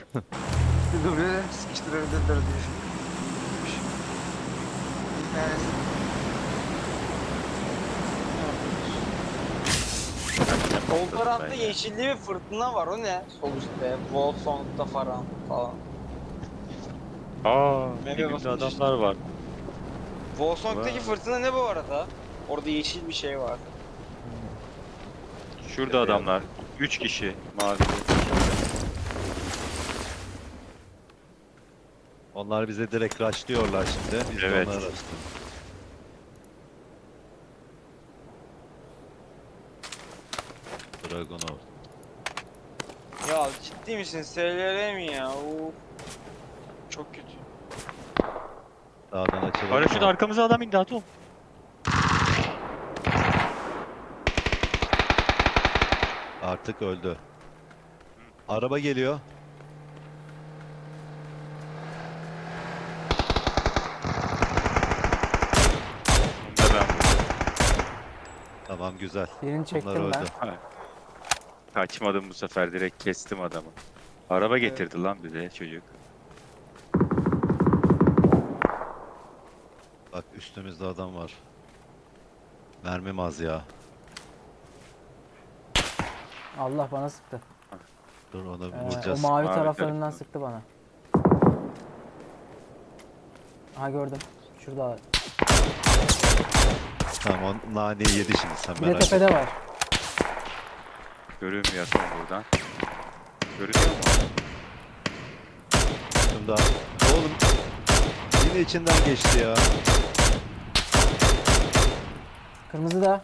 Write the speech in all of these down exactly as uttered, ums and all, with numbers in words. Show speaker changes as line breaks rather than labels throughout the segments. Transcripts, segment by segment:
Bir dublörü sıkıştırabilirler diye düşünmüş. Bir tanesi sol tarafta yeşilli bir fırtına var, o ne? Sol üstte, Wolfsong'da falan falan.
Aa,
Map'e
dibimde
basınca işte.
adamlar var.
Wolfsong'daki
Vay.
fırtına ne bu arada? Orada yeşil bir şey var.
Şurada
Tepeye
adamlar.
bak.
Üç kişi mavili.
Onlar bize direkt rushlıyorlar şimdi. Biz de
Evet.
onlara rushlıyoruz. Dragunov.
Ya ciddi misin? S L R mi ya? Uf. Çok kötü.
Sağdan açılalım
Paraşüt
mı?
arkamıza adam indi Atom.
Artık öldü. Araba geliyor.
Bunu da ben vurdum.
Tamam güzel.
Birini
Onlar
çektim ben.
öldü.
Ha, kaçmadım bu sefer, direkt kestim adamı. Araba
Evet.
getirdi lan bize çocuk.
Bak üstümüzde adam var. Mermim az ya.
Allah bana sıktı.
Dur onu
Ee, o
vuracağız.
mavi,
Mavi
taraflarından
tarafından.
sıktı bana. Aha gördüm. Şurada.
Tamam o naneyi yedi şimdi sen
Bir de
merak etme.
tepede var.
Görünmüyor Atom buradan. Görünüyor mu?
Üstümde. Oğlum yine içinden geçti ya.
Kırmızı da.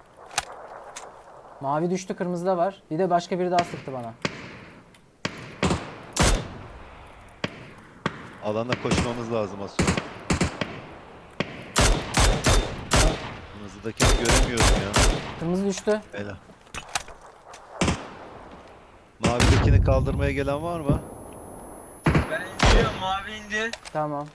Mavi düştü, kırmızı da var. Bir de başka biri daha sıktı bana.
Alana koşmamız lazım az sonra. Kırmızıdakini göremiyorum ya.
Kırmızı düştü.
Bela. Mavidekini kaldırmaya gelen var mı?
Ben indiriyorum, mavi indi.
Tamam.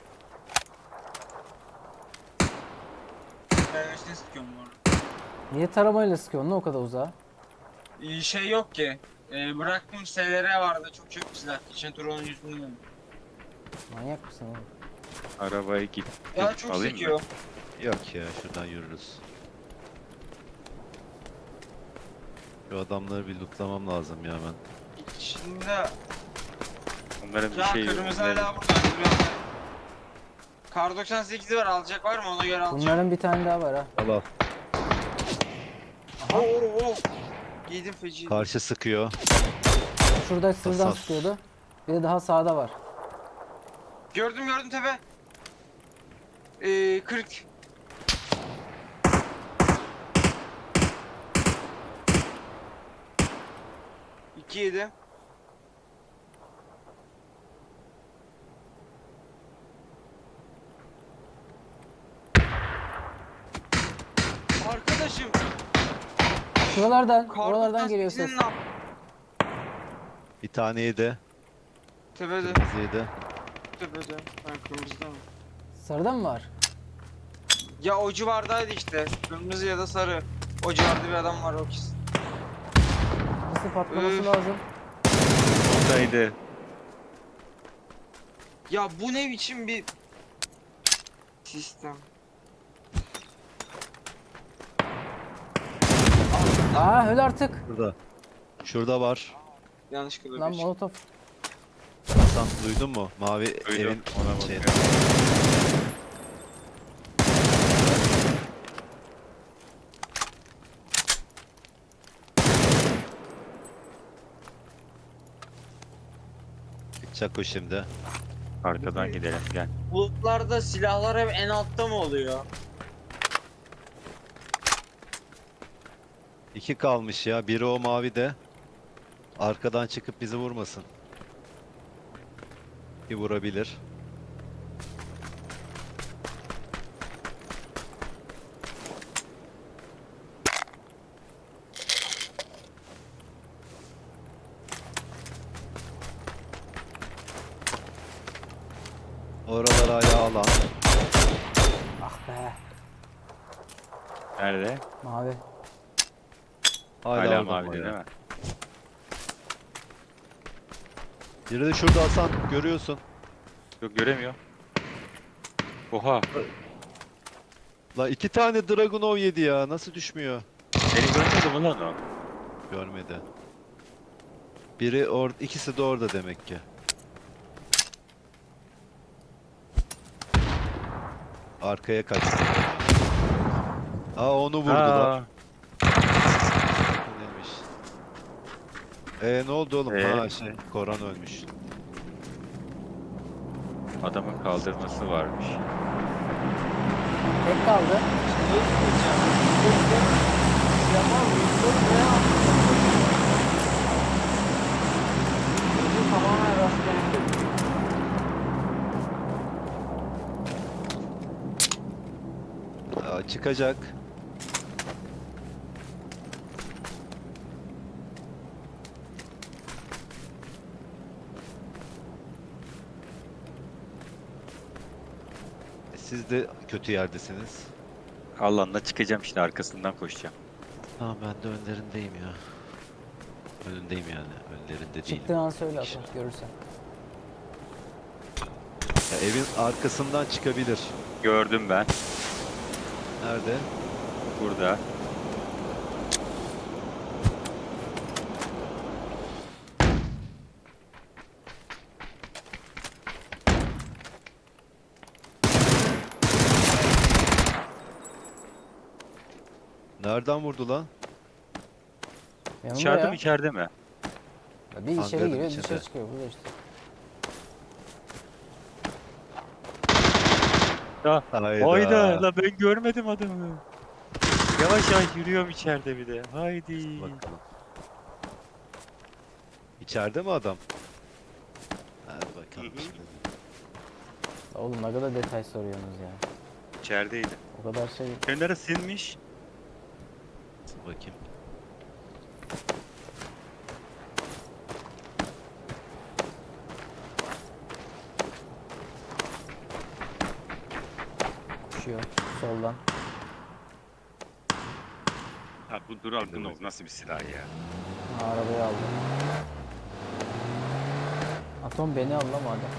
Ben üstüne sıkıyorum bu arada.
Niye taramayla sıkıyorsun lan o kadar uzağa?
Ee, şey yok ki. Ee, bıraktım, S L R vardı, çok çok silah. Geçen tur onun yüzünden.
Manyak mısın oğlum?
Arabayı git.
Ya çok
Alayım mı?
sekiyor.
Yok ya şuradan yürürüz. Şu adamları bir lootlamam lazım ya ben.
Şimdi
Onların bir
ya
şey yok.
kırmızı
Bunların-
hala burada. Duruyor. Kar doksan sekizi var, alacak var mı? Ona göre alacağım.
Bunların bir tane daha var ha.
Al al.
Oo, oo, oo. Giydim feci.
Karşı sıkıyor.
Şurada sırdan
Hassas.
sıkıyordu. Bir de daha sağda var.
Gördüm gördüm tepe. Ee, kırk. İki yedi. Arkadaşım,
Şuralardan,
kar
oralardan geliyor
doksan
ses.
sekizin ne yap-
Bir taneyi de.
Tepede,
Kırmızıyı da.
tepede. Ben kırmızıda mı?
Sarıda mı var?
Ya o civardaydı işte. Kırmızı ya da sarı. O civarda bir adam var, o kesin.
Nasıl patlaması
Üf.
lazım?
Oradaydı.
Ya bu ne biçim bir sistem?
Aa öl artık.
Burada. Şurada var.
Yanlışlıkla
Lan
bir şey.
molotof.
Hasan duydun mu? Mavi
Duydum.
evin
Ona
şeyini.
bakıyorum.
Çıkacak o şimdi.
Arkadan gidelim gel.
Bulutlarda silahlar hep en altta mı oluyor?
İki kalmış ya. Biri o mavi de. Arkadan çıkıp bizi vurmasın. Bir vurabilir. Oralar hala alan.
Ah be.
Nerede?
Mavi.
Hala,
Hala
orada
mavi
ama
değil
ya.
mi?
Biri de şurada Hasan, görüyorsun.
Yok göremiyor. Oha.
La iki tane Dragunov yedi ya. Nasıl düşmüyor?
Beni görmedi mi lan o?
Görmedi. Biri orada, ikisi de orada demek ki. Arkaya kaçtı. Aa onu vurdular.
Aa,
Neymiş? Ee ne oldu oğlum?
Ee?
Ha şey, Koran ölmüş.
adamın kaldırması varmış.
Tek kaldı.
Ne diyeceğim? Yaman Windows ne yaptı? Çocuğu tamamen rastgele.
Aa, çıkacak. E, Siz de kötü yerdesiniz.
Allah'ına çıkacağım şimdi arkasından koşacağım.
Tamam ben de önlerindeyim ya. Önündeyim yani. Önlerinde değilim.
Çıktığın an söyle Atom görürsen.
Ya, evin arkasından çıkabilir.
Gördüm ben.
Nerede?
Burada.
Nereden vurdu lan?
Yanımda
İçeride
ya.
mi içeride mi?
Ya Bir içeri
Hangarın
giriyor
içinde.
dışarı çıkıyor burada işte.
Ya.
Hayda.
Hayda la ben görmedim adamı. Yavaş yavaş yürüyorum içeride bir de. Haydi.
Bakalım. İçeride mi adam? Hadi bakalım
Hı hı.
şimdi.
Oğlum ne kadar detay soruyorsunuz ya.
İçerideydi.
O kadar şey.
Kenara sinmiş.
Dur bakayım.
Koşuyor soldan.
Ha bu Dragunov nasıl bir silah ya?
Ha, arabayı aldı. Atom beni al lan madem.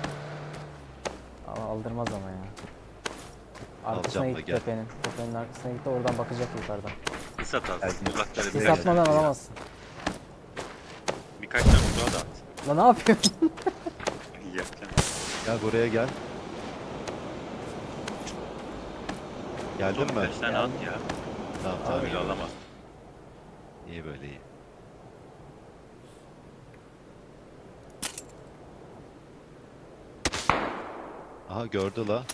Ama aldırmaz ama ya. Arkasına
Alacağım da
git
gel.
tepenin. Tepenin arkasına git de oradan bakacak yukarıdan.
Kıs at alsın.
Geldim.
Uzakları
Sis
biraz.
atmadan alamazsın.
Birkaç tane uzağa da at.
Lan ne yapıyorsun?
Yapacağım.
Gel buraya gel. Geldin mi?
Birkaç tane at ya.
Tamam tamam.
Öyle alamaz.
İyi böyle iyi. Aha gördü la.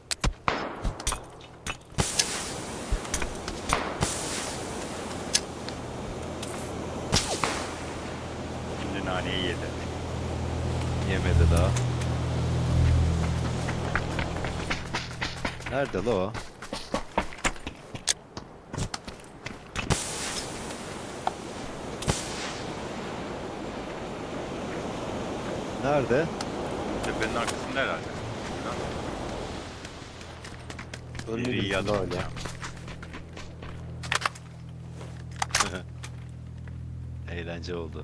Şimdi naneyi yedi.
Yemedi daha. Nerede la o? Nerede?
Tepenin arkasında herhalde.
Ölü
Biri iyi
birisi
adam
la öyle.
ya.
Eğlence oldu.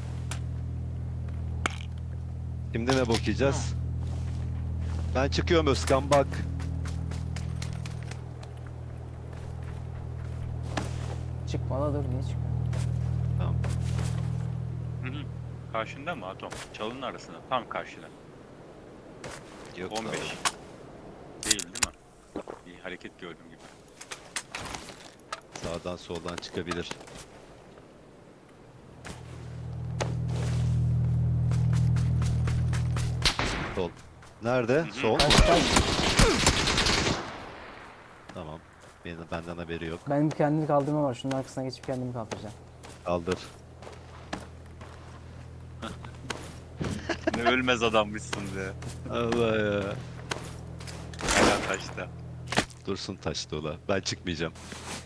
Şimdi ne bakacağız? Ben çıkıyorum Özkan bak.
Çıkma la dur niye çıkıyor?
Tamam.
Hı hı. Karşında mı Atom? Çalının arasında. Tam karşıda.
Yok
on beş.
la.
Değil değil mi? Bir hareket gördüm gibi.
Sağdan soldan çıkabilir. Sol. Nerede?
hı.
Sol mu?
Kaç kaç.
Tamam. Benim, benden haberi yok.
Benim kendimi kaldırma var. Şunun arkasına geçip kendimi kaldıracağım.
Kaldır.
Ne ölmez adammışsın be.
Allah ya.
Hala taşta.
Dursun taşta ola. Ben çıkmayacağım.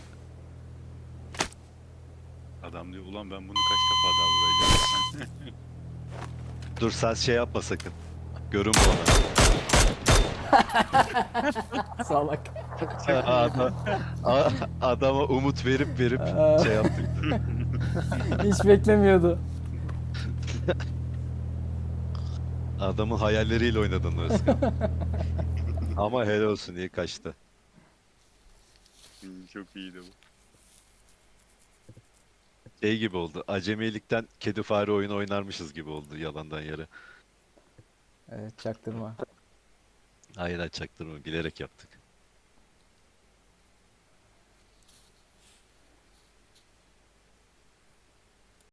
Adam diyor ulan ben bunu kaç defa daha vuracağım.
Dur sen şey yapma sakın. Görün bana.
Salak.
Adam, a- adama umut verip verip
Aa.
şey yaptık.
Hiç beklemiyordu.
Adamın hayalleriyle oynadın Özkan. Ama helal olsun, iyi kaçtı.
Hmm, Çok iyiydi bu.
Şey gibi oldu. Acemilikten kedi fare oyunu oynarmışız gibi oldu yalandan yere.
Evet çaktırma.
Aynen, çaktırma, bilerek yaptık.